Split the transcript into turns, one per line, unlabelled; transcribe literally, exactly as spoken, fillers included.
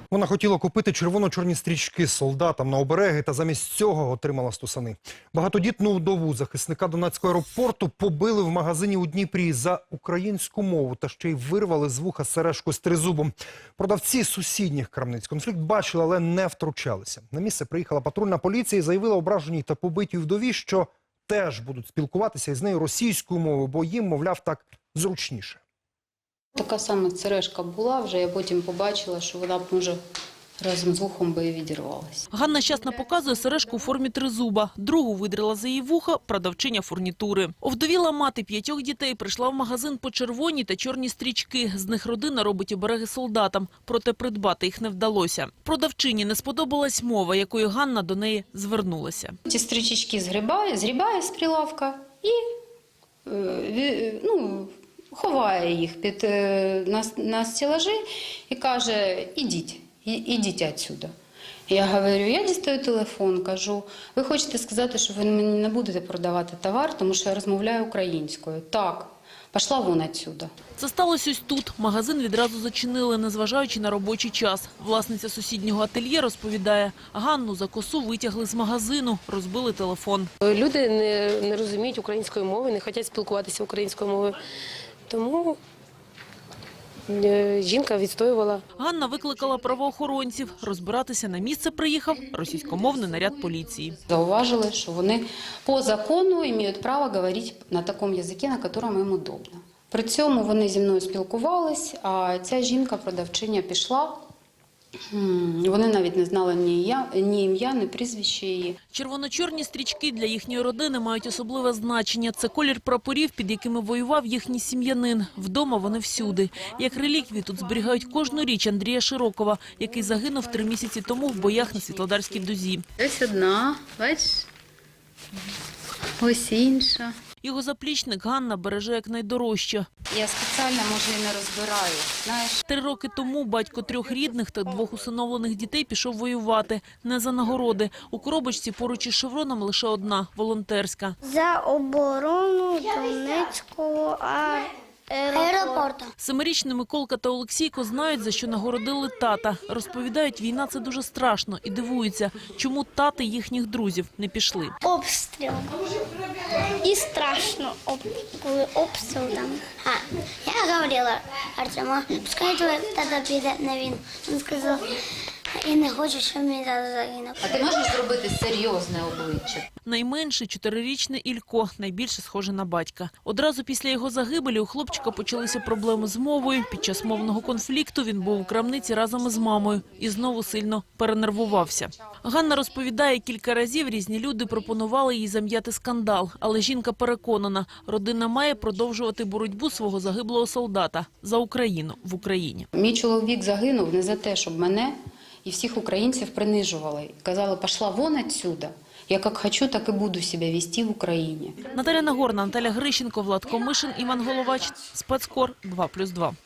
Вона хотіла купити червоно-чорні стрічки солдатам на обереги та замість цього отримала стусани. Багатодітну вдову захисника Донецького аеропорту побили в магазині у Дніпрі за українську мову та ще й вирвали з вуха сережку з тризубом. Продавці сусідніх крамниць конфлікт бачили, але не втручалися. На місце приїхала патрульна поліція і заявила ображеній та побитій вдові, що теж будуть спілкуватися із нею російською мовою, бо їм, мовляв, так зручніше.
Така сама сережка була вже, я потім побачила, що вона, може, разом з вухом би і відірвалася.
Ганна щасно показує сережку у формі тризуба. Другу видрила за її вуха продавчиня фурнітури. Овдовіла мати п'ятьох дітей прийшла в магазин по червоні та чорні стрічки. З них родина робить обереги солдатам, проте придбати їх не вдалося. Продавчині не сподобалась мова, якою Ганна до неї звернулася.
Ці стрічечки згрібає, згрібає з прилавка і, ну, ховає їх під, на, на стелажі і каже: ідіть, ідіть відсюди. Я говорю, я дістаю телефон, кажу: ви хочете сказати, що ви мені не будете продавати товар, тому що я розмовляю українською? Так. Пішла вон відсюди.
Це сталося ось тут. Магазин відразу зачинили, незважаючи на робочий час. Власниця сусіднього ательє розповідає, Ганну за косу витягли з магазину, розбили телефон.
Люди не, не розуміють української мови, не хочуть спілкуватися українською мовою. Тому жінка відстоювала.
Ганна викликала правоохоронців. Розбиратися на місце приїхав російськомовний наряд поліції.
Зауважили, що вони по закону мають право говорити на такому язикі, на якому їм удобно. При цьому вони зі мною спілкувались, а ця жінка-продавчиня пішла. Вони навіть не знали ні ім'я, ні прізвище її.
Червоно-чорні стрічки для їхньої родини мають особливе значення. Це колір прапорів, під якими воював їхній сім'янин. Вдома вони всюди. Як реліквії тут зберігають кожну річ Андрія Широкова, який загинув три місяці тому в боях на Світлодарській дузі.
Ось одна, бачиш? Ось інша.
Його заплічник Ганна береже як найдорожче.
Я спеціально, може, і не розбираю, знаєш.
Три роки тому батько трьох рідних та двох усиновлених дітей пішов воювати. Не за нагороди. У коробочці поруч із шевроном лише одна – волонтерська.
За оборону Донецького аеропорту.
Семирічні Миколка та Олексійко знають, за що нагородили тата. Розповідають, війна – це дуже страшно і дивуються, чому тати їхніх друзів не пішли.
Обстріл. І страшно, коли обстріл там. А, я говорила Артему, пускай твій тата піде на війну. Він сказав, я не хочу, щоб мій тато загинув.
А ти можеш зробити серйозне обличчя?
Найменший – чотирирічний Ілько, найбільше схоже на батька. Одразу після його загибелі у хлопчика почалися проблеми з мовою. Під час мовного конфлікту він був у крамниці разом із мамою і знову сильно перенервувався. Ганна розповідає, кілька разів різні люди пропонували їй зам'яти скандал. Але жінка переконана, родина має продовжувати боротьбу свого загиблого солдата за Україну в Україні.
Мій чоловік загинув не за те, щоб мене і всіх українців принижували. Казали, пішла вон відсюди. Я як хочу, так і буду себе вести в Україні.
Наталя Нагорна, Наталя Грищенко, Влад Комишин, Іван Головач. Спецкор два плюс два.